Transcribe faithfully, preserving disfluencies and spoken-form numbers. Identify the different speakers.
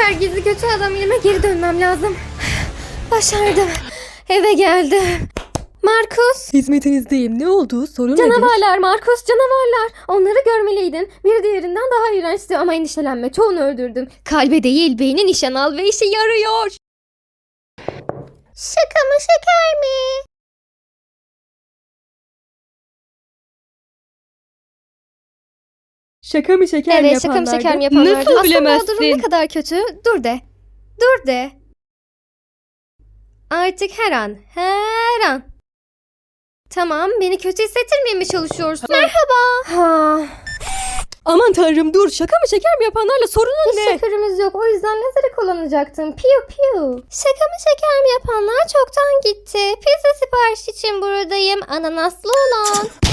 Speaker 1: süper gizli kötü adam yerime geri dönmem lazım. Başardım. Eve geldim. Markus.
Speaker 2: Hizmetinizdeyim. Ne oldu? Sorun nedir?
Speaker 1: Canavarlar Markus, canavarlar. Onları görmeliydin. Biri diğerinden daha iğrençti ama endişelenme, çoğunu öldürdüm. Kalbe değil beyni nişan al ve işe yarıyor. Şaka mı şeker mi?
Speaker 2: Şaka mı şeker mi
Speaker 1: Evet, şaka mı
Speaker 2: yapanlardı?
Speaker 1: şeker mi yapanlardı?
Speaker 2: Nasıl
Speaker 1: Aslında
Speaker 2: bilemezsin?
Speaker 1: o durum ne kadar kötü? Dur de. Dur de. Artık her an, her an. Tamam, beni kötü hissettirmeye mi çalışıyorsun? Merhaba. Ha.
Speaker 2: Aman tanrım dur. Şaka mı şeker mi yapanlarla sorunun
Speaker 1: Hiç
Speaker 2: ne?
Speaker 1: şekerimiz yok. O yüzden lazeri kullanacaktım. Piu piu. Şaka mı şeker mi yapanlar çoktan gitti. Pizza sipariş için buradayım. Ananaslı olan.